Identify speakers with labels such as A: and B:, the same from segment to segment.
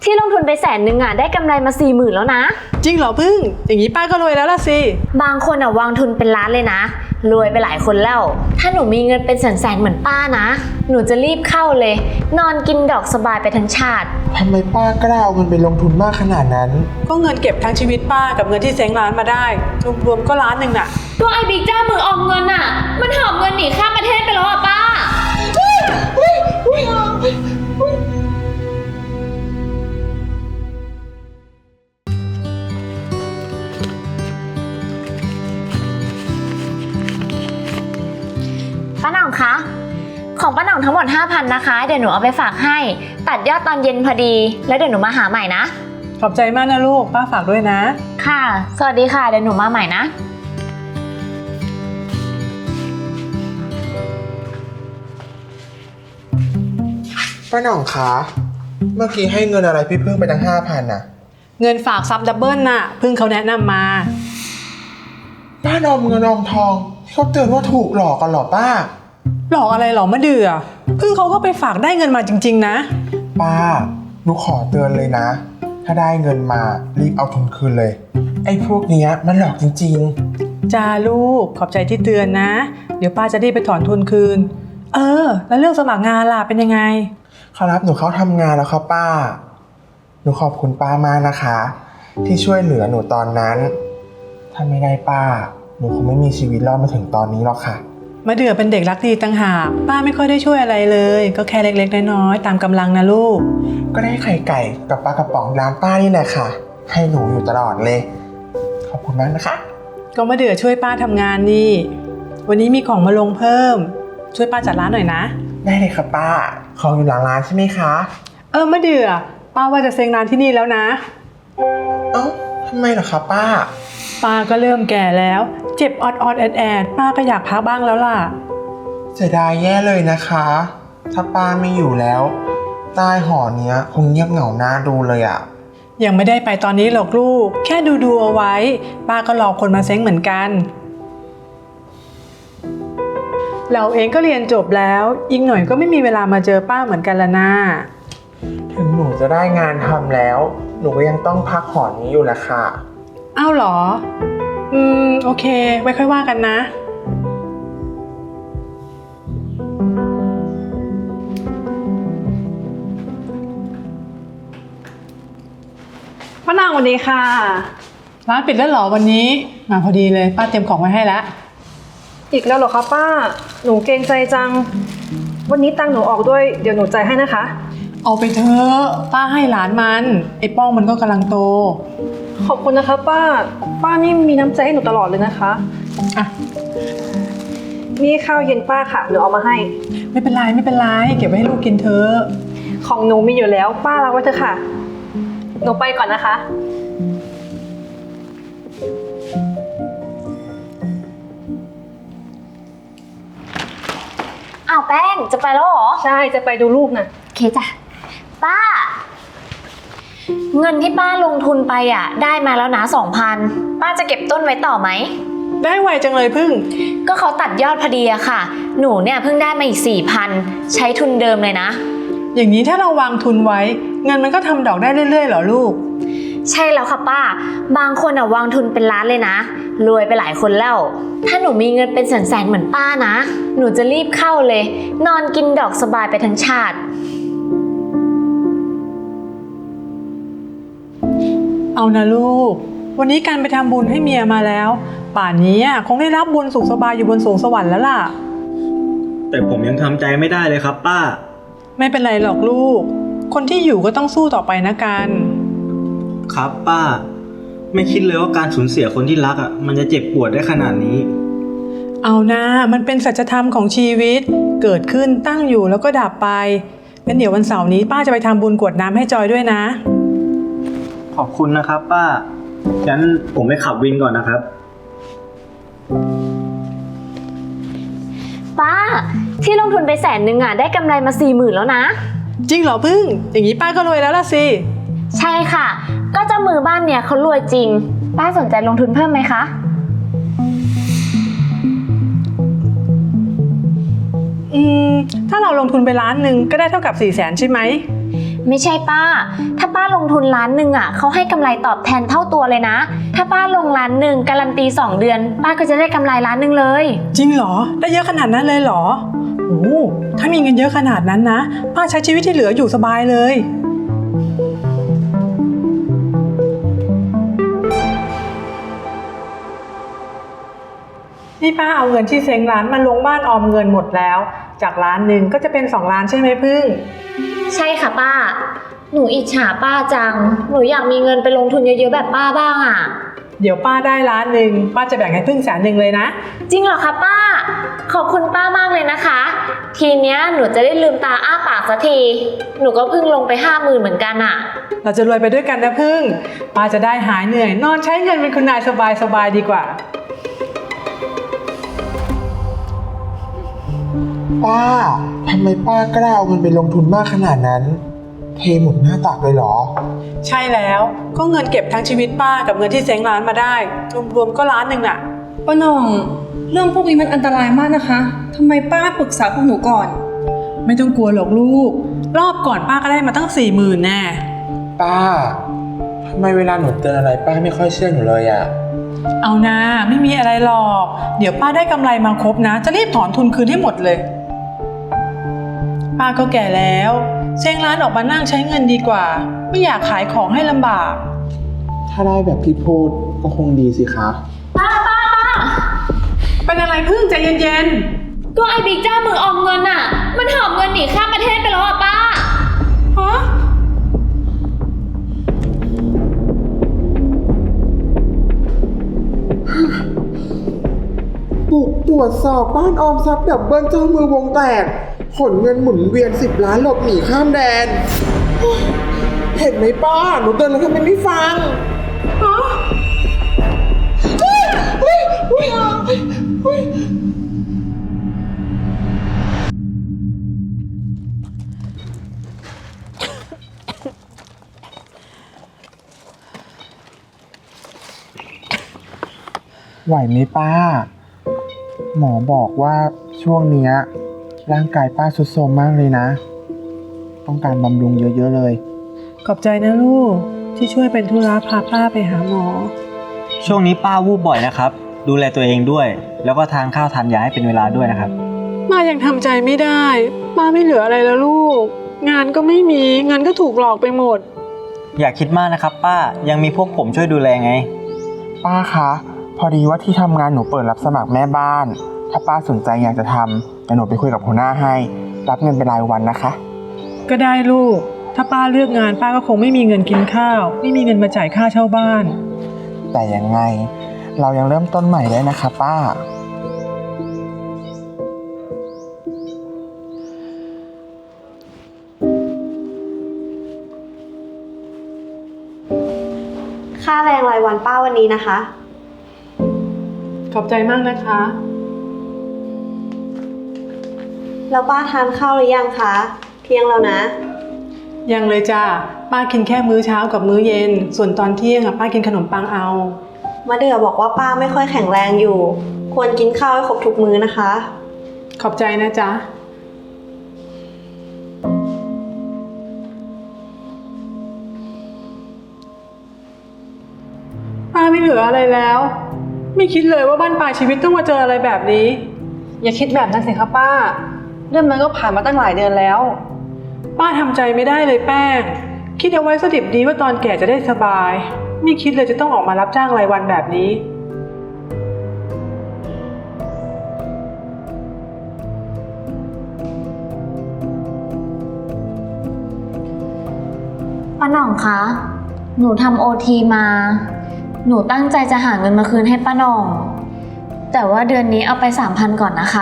A: ที่ลงทุนไป100,000อ่ะได้กำไรมา40,000แล้วนะ
B: จริงเหรอพึ่งอย่างนี้ป้าก็รวยแล้วล่ะสิ
A: บางคนอ่ะวางทุนเป็นล้านเลยนะรวยไปหลายคนแล้วถ้าหนูมีเงินเป็นแสนๆเหมือนป้านะหนูจะรีบเข้าเลยนอนกินดอกสบายไปทั้งชาติ
C: ทำไมป้ากล้าเอาเงินไปลงทุนมากขนาดนั้น
B: ก็เงินเก็บทั้งชีวิตป้ากับเงินที่เซ้งร้านมาได้รวมๆก็1,000,000น่ะ
A: ตัวไอ้บิ๊กจ้ามือออมเงินอ่ะมันหอบเงินหนีข้ามประเทศไปแล้วอ่ะป้าป้าหน่องคะของป้าหน่องทั้งหมด 5,000 นะคะเดี๋ยวหนูเอาไปฝากให้ตัดยอดตอนเย็นพอดีแล้วเดี๋ยวหนูมาหาใหม่นะ
B: ขอบใจมากนะลูกป้าฝากด้วยนะ
A: ค่ะสวัสดีค่ะเดี๋ยวหนูมาใหม่นะ
C: ป้าหน่องคะเมื่อกี้ให้เงินอะไรพี่พึ่งไปตั้ง5,000น่ะ
B: เงินฝากซับดับเบิลน่ะพึ่งเขาแนะนำมา
C: ป้านอมเงินออมทองเขาเตือนว่าถูกหลอกกันหรอป้า
B: หลอกอะไรหรอมะเดื่อพึ่งเขาก็ไปฝากได้เงินมาจริงๆนะ
C: ป้าหนูขอเตือนเลยนะถ้าได้เงินมารีบเอาทุนคืนเลยไอ้พวกเนี้ยมันหลอกจริง
B: ๆจ้าลูกขอบใจที่เตือนนะเดี๋ยวป้าจะได้ไปถอนทุนคืนแล้วเรื่องสมัครงานล่ะเป็นยังไง
C: เขารับหนูเข้าทำงานแล้วครับป้าหนูขอบคุณป้ามากนะคะที่ช่วยเหลือหนูตอนนั้นถ้าไม่ได้ป้าหนูคงไม่มีชีวิตรอดมาถึงตอนนี้หรอกค่ะ
B: มะเดื่อเป็นเด็กรักดีต่างหากป้าไม่ค่อยได้ช่วยอะไรเลยก็แค่เล็กๆน้อยๆตามกำลังนะลูก
C: ก็ได้ไข่ไก่กับปลากระป๋องร้านป้านี่แหละค่ะให้หนูอยู่ตลอดเลยขอบคุณมากนะคะ
B: ก็มะเดื่อช่วยป้าทำงานนี่วันนี้มีของมาลงเพิ่มช่วยป้าจัดร้านหน่อยนะ
C: ได้เลยค่ะป้าของอยู่หลังร้านใช่ไหมคะ
B: มะเดื่อป้าว่าจะเซ็งร้านที่นี่แล้วนะ
C: ทำไมเหรอคะป้า
B: ก็เริ่มแก่แล้วเจ็บออดแอดป้าก็อยากพักบ้างแล้วล่ะ
C: เสียดายแย่เลยนะคะถ้าป้าไม่อยู่แล้วใต้หอเนี้ยคงเงียบเหงาหน้าดูเลยอะ
B: ยังไม่ได้ไปตอนนี้หรอกลูกแค่ดูเอาไว้ป้าก็รอคนมาเซ้งเหมือนกันเราเองก็เรียนจบแล้วอีกหน่อยก็ไม่มีเวลามาเจอป้าเหมือนกันละนะ
C: ถึงหนูจะได้งานทำแล้วหนูก็ยังต้องพักหอนี้อยู่แหละค่ะ
B: อ้าวเหรอโอเคไว้ค่อยว่ากันนะป้านางสวัสดีค่ะร้านปิดแล้วเหรอวันนี้มาพอดีเลยป้าเตรียมของไว้ให้แล้ว
D: อีกแล้วเหรอคะป้าหนูเกรงใจจังวันนี้ตังค์หนูออกด้วยเดี๋ยวหนูจ่ายให้นะคะ
B: เอาไปเถอะป้าให้หลานมันไอ้ป้องมันก็กำลังโต
D: ขอบคุณนะคะป้านี่มีน้ำใจให้หนูตลอดเลยนะคะ
B: อ่ะ
D: นี่ข้าวเย็นป้าค่ะหนูเอามาให้
B: ไม่เป็นไรเก็บไว้ให้ลูกกินเถอะ
D: ของหนูมีอยู่แล้วป้ารับไว้เถอะค่ะหนูไปก่อนนะคะ
A: อ้าวแป้งจะไปแล้วเหรอ
D: ใช่จะไปดูลูกน่ะ
A: โอเคจ้ะป้าเงินที่ป้าลงทุนไปอ่ะได้มาแล้วนะ2,000ป้าจะเก็บต้นไว้ต่อไหม
B: ได้ไวจังเลยพึ่ง
A: ก็เขาตัดยอดพอดีอะค่ะหนูเนี่ยเพิ่งได้มาอีก4,000ใช้ทุนเดิมเลยนะ
B: อย่างนี้ถ้าเราวางทุนไว้เงินมันก็ทำดอกได้เรื่อยๆเหรอลูก
A: ใช่แล้วค่ะป้าบางคนอะวางทุนเป็นล้านเลยนะรวยไปหลายคนแล้วถ้าหนูมีเงินเป็นแสนๆเหมือนป้านะหนูจะรีบเข้าเลยนอนกินดอกสบายไปทั้งชาติ
B: เอานะลูกวันนี้การไปทำบุญให้เมียมาแล้วป่านนี้คงได้รับบุญสุขสบายอยู่บนสวงสวรรค์แล้วล่ะ
E: แต่ผมยังทำใจไม่ได้เลยครับป้า
B: ไม่เป็นไรหรอกลูกคนที่อยู่ก็ต้องสู้ต่อไปนะกัน
E: ครับป้าไม่คิดเลยว่าการสูญเสียคนที่รักมันจะเจ็บปวดได้ขนาดนี้
B: เอานะมันเป็นสัจธรรมของชีวิตเกิดขึ้นตั้งอยู่แล้วก็ดับไปงั้นเดี๋ยววันเสาร์นี้ป้าจะไปทำบุญกรวดน้ำให้จอยด้วยนะ
E: ขอบคุณนะครับป้างั้นผมไปขับวินก่อนนะครับ
A: ป้าที่ลงทุนไป100,000อ่ะได้กำไรมา40,000แล้วนะ
B: จริงเหรอพึ่งอย่างนี้ป้าก็รวยแล้วล่ะสิ
A: ใช่ค่ะก็เจ้ามือบ้านเนี่ยเขารวยจริงป้าสนใจลงทุนเพิ่มไหมคะ
B: ถ้าเราลงทุนไป1,000,000ก็ได้เท่ากับ400,000ใช่ไหม
A: ไม่ใช่ป้า ถ้าป้าลงทุนล้านหนึ่งอ่ะเขาให้กำไรตอบแทนเท่าตัวเลยนะ ถ้าป้าลงล้านหนึ่งการันตี2 เดือน ป้าก็จะได้กำไรล้านหนึ่งเลย
B: จริงเหรอได้เยอะขนาดนั้นเลยเหรอโอ้ถ้ามีเงินเยอะขนาดนั้นนะป้าใช้ชีวิตที่เหลืออยู่สบายเลยนี่ป้าเอาเงินที่เซ้งร้านมาลงบ้านออมเงินหมดแล้วจากล้านหนึ่งก็จะเป็น2 ล้านใช่ไหมพึ่ง
A: ใช่ค่ะป้า หนูอิจฉาป้าจัง หนูอยากมีเงินไปลงทุนเยอะๆแบบป้าบ้างอ่ะ
B: เดี๋ยวป้าได้ล้านหนึ่งป้าจะแบ่งให้พึ่ง100,000เลยนะ
A: จริงเหรอคะป้า ขอบคุณป้ามากเลยนะคะ ทีเนี้ยหนูจะได้ลืมตาอ้าปากสักที หนูก็เพิ่งลงไป50,000เหมือนกันอ่ะ
B: เราจะรวยไปด้วยกันนะพึ่งป้าจะได้หายเหนื่อยนอนใช้เงินเป็นคุณนายสบายๆดีกว่า
C: ป้าทำไมป้ากล้าเอาเงินไปลงทุนมากขนาดนั้น เทหมดหน้าตักเลยเหรอ
B: ใช่แล้วก็เงินเก็บทั้งชีวิตป้ากับเงินที่เซ้งร้านมาได้รวมๆก็ล้านหนึ่งน่ะ
D: ป้าหน่อง เรื่องพวกนี้มันอันตรายมากนะคะทำไมป้าปรึกษาพวกหนูก่อน
B: ไม่ต้องกลัวหรอกลูกรอบก่อนป้าก็ได้มาตั้ง40,000แน่
C: ป้าทำไมเวลาหนูเตือนอะไรป้าไม่ค่อยเชื่อหนูเลยอะ
B: เอานะไม่มีอะไรหรอกเดี๋ยวป้าได้กำไรมาครบนะจะรีบถอนทุนคืนให้หมดเลยป้าก็แก่แล้วเซ้งร้านออกมานั่งใช้เงินดีกว่าไม่อยากขายของให้ลำบาก
C: ถ้าได้แบบที่พูดก็คงดีสิคะ
A: ป้า
B: เป็นอะไรพึ่งใจเย็น
A: ก็ไอ้บิ๊กเจ้ามือออมเงินอ่ะ มันหอบเงินหนีข้ามประเทศไปแล้วอ่ะป้า
B: ๆฮะ
C: บุกตรวจสอบบ้านออมทรัพย์ดับเบิลเจ้ามือวงแตกขนเงินหมุนเวียน10 ล้านหลบหนีข้ามแดน เห็นไหมป้า หนูเตือนแล้วทำไมไม่ฟัง
B: ฮะ
C: ไหวไหมป้า หมอบอกว่าช่วงเนี้ยร่างกายป้าทรุดโทรมมากเลยนะ ต้องการบำรุงเยอะๆเลย
B: ขอบใจนะลูกที่ช่วยเป็นธุระพาป้าไปหาหมอ
E: ช่วงนี้ป้าวูบบ่อยนะครับ ดูแลตัวเองด้วย แล้วก็ทานข้าวทานยาให้เป็นเวลาด้วยนะครับ
B: ป้ายังทำใจไม่ได้ป้าไม่เหลืออะไรแล้วลูกงานก็ไม่มีเงินก็ถูกหลอกไปหมด
E: อย่าคิดมากนะครับป้ายังมีพวกผมช่วยดูแลไง
C: ป้าคะพอดีว่าที่ทำงานหนูเปิดรับสมัครแม่บ้าน ถ้าป้าสนใจอยากจะทำแต่หนูไปคุยกับหัวหน้าให้รับเงินเป็นรายวันนะคะ
B: ก็ได้ลูกถ้าป้าเลือกงานป้าก็คงไม่มีเงินกินข้าวไม่มีเงินมาจ่ายค่าเช่าบ้าน
C: แต่ยังไงเรายังเริ่มต้นใหม่ได้นะคะป้า
F: ค่าแรงรายวันป้าวันนี้นะคะ
B: ขอบใจมากนะคะ
F: แล้วป้าทานข้าวหรือยังคะ เที่ยงแล้วนะ
B: ยังเลยจ้าป้ากินแค่มื้อเช้ากับมื้อเย็น ส่วนตอนเที่ยงป้ากินขนมปังเอา
F: มะเดื่อบอกว่าป้าไม่ค่อยแข็งแรงอยู่ ควรกินข้าวให้ครบทุกมื้อนะคะ
B: ขอบใจนะจ๊ะป้าไม่เหลืออะไรแล้ว ไม่คิดเลยว่าบ้านปลายชีวิตต้องมาเจออะไรแบบนี้
D: อย่าคิดแบบนั้นสิคะป้า เรื่องมันก็ผ่านมาตั้งหลายเดือนแล้ว
B: ป้าทำใจไม่ได้เลยแป้งคิดเอาไว้สดิบดีว่าตอนแก่จะได้สบายไม่คิดเลยจะต้องออกมารับจ้างรายวันแบบนี้
A: ป้าหน่องคะ หนูทำโอทีมา หนูตั้งใจจะหาเงินมาคืนให้ป้าหน่อง แต่ว่าเดือนนี้เอาไป 3,000 ก่อนนะคะ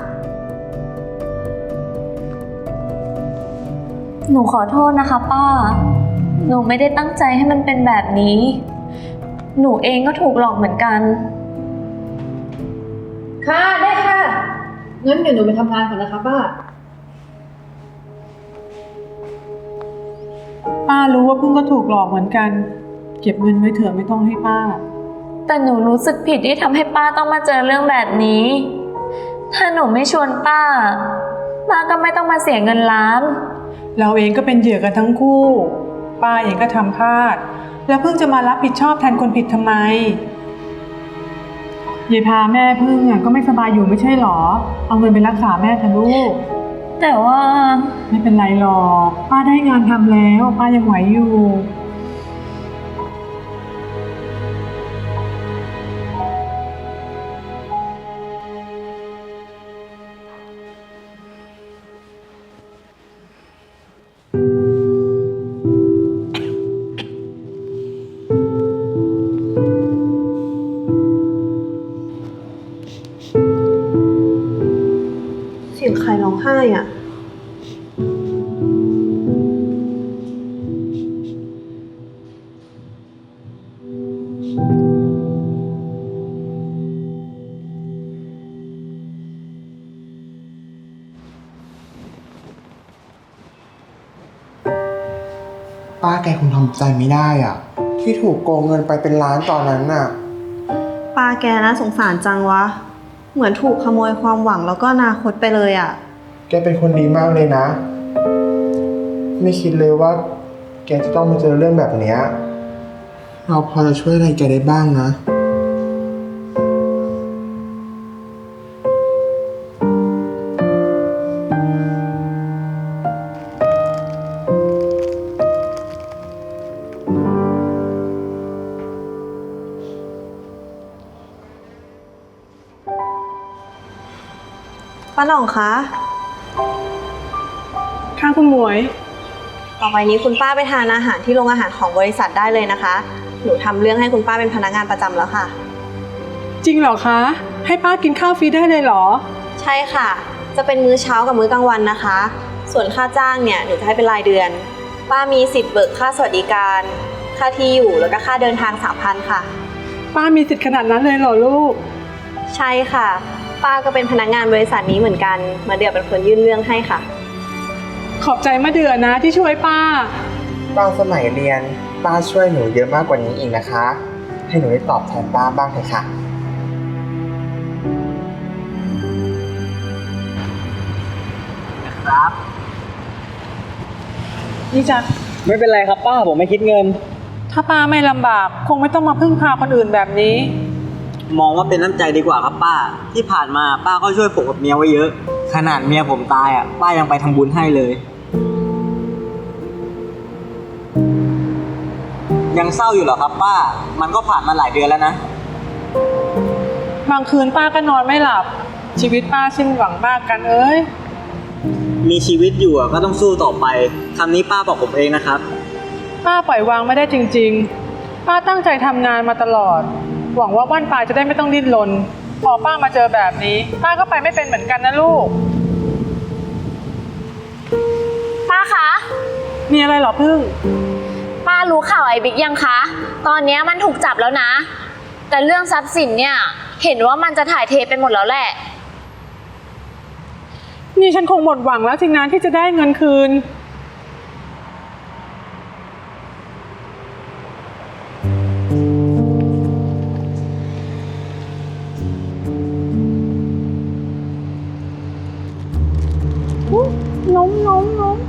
A: หนูขอโทษนะคะป้า หนูไม่ได้ตั้งใจให้มันเป็นแบบนี้ หนูเองก็ถูกหลอกเหมือนกัน
D: ค่ะได้ค่ะงั้นเดี๋ยวหนูไปทำงานก่อนนะคะป้า
B: ป้ารู้ว่าเพิ่งก็ถูกหลอกเหมือนกัน เก็บเงินไว้เถอะไม่ต้องให้ป้า
A: แต่หนูรู้สึกผิดที่ทำให้ป้าต้องมาเจอเรื่องแบบนี้ ถ้าหนูไม่ชวนป้า ป้าก็ไม่ต้องมาเสียเงินล้าน
B: เราเองก็เป็นเหยื่อกันทั้งคู่ ป้าเองก็ทำพลาด แล้วเพิ่งจะมารับผิดชอบแทนคนผิดทำไมยายพาแม่พึ่งก็ไม่สบายอยู่ไม่ใช่หรอ เอาเงินไปรักษาแม่เถอะลูก
A: แต่ว่า
B: ไม่เป็นไรหรอก ป้าได้งานทำแล้ว ป้ายังไหวอยู่
F: เสียงใครร้องไห้อ่ะ
C: ป้าแกคงทำใจไม่ได้อ่ะ ที่ถูกโกงเงินไปเป็นล้านตอนนั้นน่ะ
F: ป้าแกน่าสงสารจังวะ เหมือนถูกขโมยความหวังแล้วก็อนาคตไปเลยอ่ะ
C: แกเป็นคนดีมากเลยนะ ไม่คิดเลยว่า แกจะต้องมาเจอเรื่องแบบเนี้ยเราพอจะช่วยอะไรแกได้บ้างนะ
F: ป้าหน่องคะ
B: ค่ะคุณหมวย
F: ต่อไปนี้คุณป้าไปทานอาหารที่โรงอาหารของบริษัทได้เลยนะคะ หนูทำเรื่องให้คุณป้าเป็นพนักงานประจำแล้วค่ะ
B: จริงเหรอคะ ให้ป้ากินข้าวฟรีได้เลยเหรอ
F: ใช่ค่ะ จะเป็นมื้อเช้ากับมื้อกลางวันนะคะ ส่วนค่าจ้างเนี่ยหนูจะให้เป็นรายเดือน ป้ามีสิทธิ์เบิกค่าสวัสดิการ ค่าที่อยู่แล้วก็ค่าเดินทาง 3,000 ค่ะ
B: ป้ามีสิทธิ์ขนาดนั้นเลยเหรอลูก
F: ใช่ค่ะ ป้าก็เป็นพนักงานบริษัทนี้เหมือนกัน มาเดือเป็นคนยื่นเรื่องให้ค่ะ
B: ขอบใจมะเดือนะที่ช่วยป้า
C: ตอนสมัยเรียนป้าช่วยหนูเยอะมากกว่านี้อีกนะคะ ให้หนูได้ตอบแทนป้าบ้างเถอะค่ะ
E: ครับ
B: นี่จ้ะ
E: ไม่เป็นไรครับป้าผมไม่คิดเงิน
B: ถ้าป้าไม่ลำบากคงไม่ต้องมาพึ่งพาคนอื่นแบบนี้
E: มองว่าเป็นน้ำใจดีกว่าครับป้า ที่ผ่านมาป้าก็ช่วยผมกับเมียไว้เยอะ ขนาดเมียผมตายป้ายังไปทำบุญให้เลย ยังเศร้าอยู่เหรอครับป้า มันก็ผ่านมาหลายเดือนแล้วนะ
B: บางคืนป้าก็นอนไม่หลับ ชีวิตป้าสิ้นหวังมากกันเอ้ย
E: มีชีวิตอยู่ก็ต้องสู้ต่อไปคำนี้ป้าบอกผมเองนะครับ
B: ป้าปล่อยวางไม่ได้จริงๆ ป้าตั้งใจทำงานมาตลอด หวังว่าบ้านปลายจะได้ไม่ต้องดิ้นรน พอป้ามาเจอแบบนี้ ป้าก็ไปไม่เป็นเหมือนกันนะลูก
A: ป้าคะ
B: มีอะไรเหรอพึ่ง
A: ป้ารู้ข่าวไอ้บิ๊กยังคะ ตอนเนี้ยมันถูกจับแล้วนะ แต่เรื่องทรัพย์สินเนี่ย เห็นว่ามันจะถ่ายเทไปหมดแล้วแหละ
B: นี่ฉันคงหมดหวังแล้วสินะที่จะได้เงินคืน ล้ม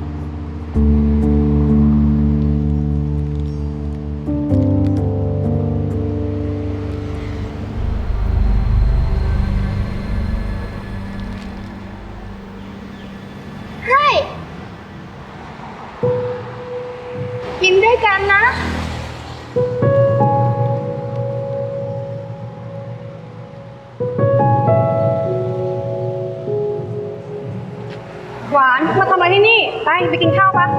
A: กินด้วยกันนะ
D: หวานมาทำอะไรที่นี่ ไปกินข้าวปะ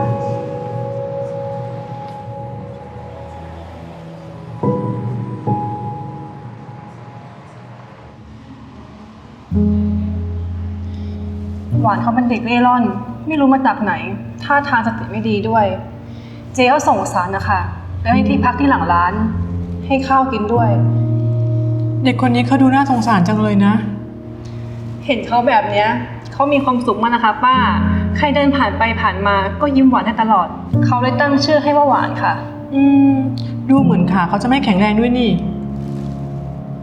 D: หวานเขาเป็นเด็กเร่ร่อน ไม่รู้มาจากไหน ท่าทางสติไม่ดีด้วย เจ๊ก็ส่งสารนะคะแล้วให้ที่พักที่หลังร้าน ให้ข้าวกินด้วย
B: เด็กคนนี้เขาดูน่าสงสารจังเลยนะ
D: เห็นเขาแบบเนี้ยเขามีความสุขมากนะคะป้า ใครเดินผ่านไปผ่านมาก็ยิ้มหวานให้ตลอด เขาเลยตั้งชื่อให้ว่าหวานค่ะ
B: ดูเหมือนขาเขาจะไม่แข็งแรงด้วยนี่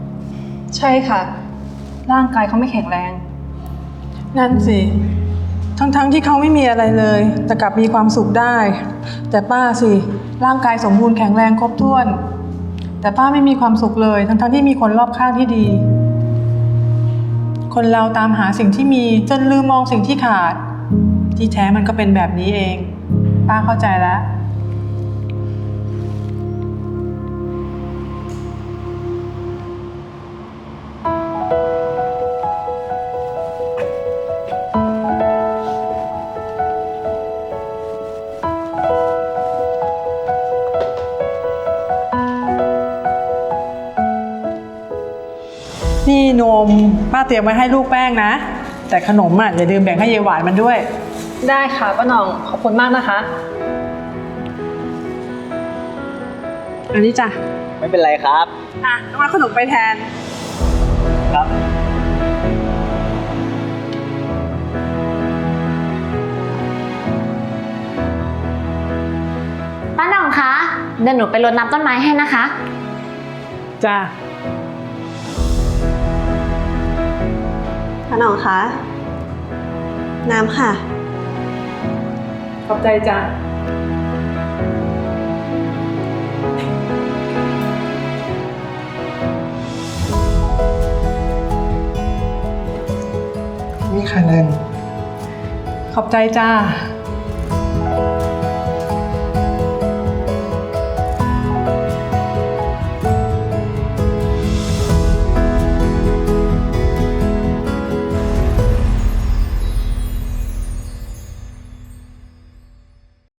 D: ใช่ค่ะ ร่างกายเขาไม่แข็งแรง
B: นั่นสิทั้งที่เขาไม่มีอะไรเลย แต่กลับมีความสุขได้ แต่ป้าสิร่างกายสมบูรณ์แข็งแรงครบถ้วน แต่ป้าไม่มีความสุขเลย ทั้งที่มีคนรอบข้างที่ดี คนเราตามหาสิ่งที่มีจนลืมมองสิ่งที่ขาด ที่แท้มันก็เป็นแบบนี้เอง ป้าเข้าใจแล้ว นี่นมป้าเตรียมไว้ให้ลูกแป้งนะ แต่ขนมอ่ะอย่าลืมแบ่งให้ยายหวานมันด้วย
D: ได้ค่ะป้าหน่องขอบคุณมากนะคะ
B: อันนี้จ้ะ
E: ไม่เป็นไรครับ
B: อ่ะต้องเอาขนมไปแทน
E: ครับ
A: ป้าหน่องคะเดี๋ยวหนูไปรดน้ำต้นไม้ให้นะคะ
B: จ้ะ
F: ป้าหน่องคะ น้ำค่ะ
B: ขอบใจจ้ะ
C: นี่ค่ะเงิน
B: ขอบใจจ้า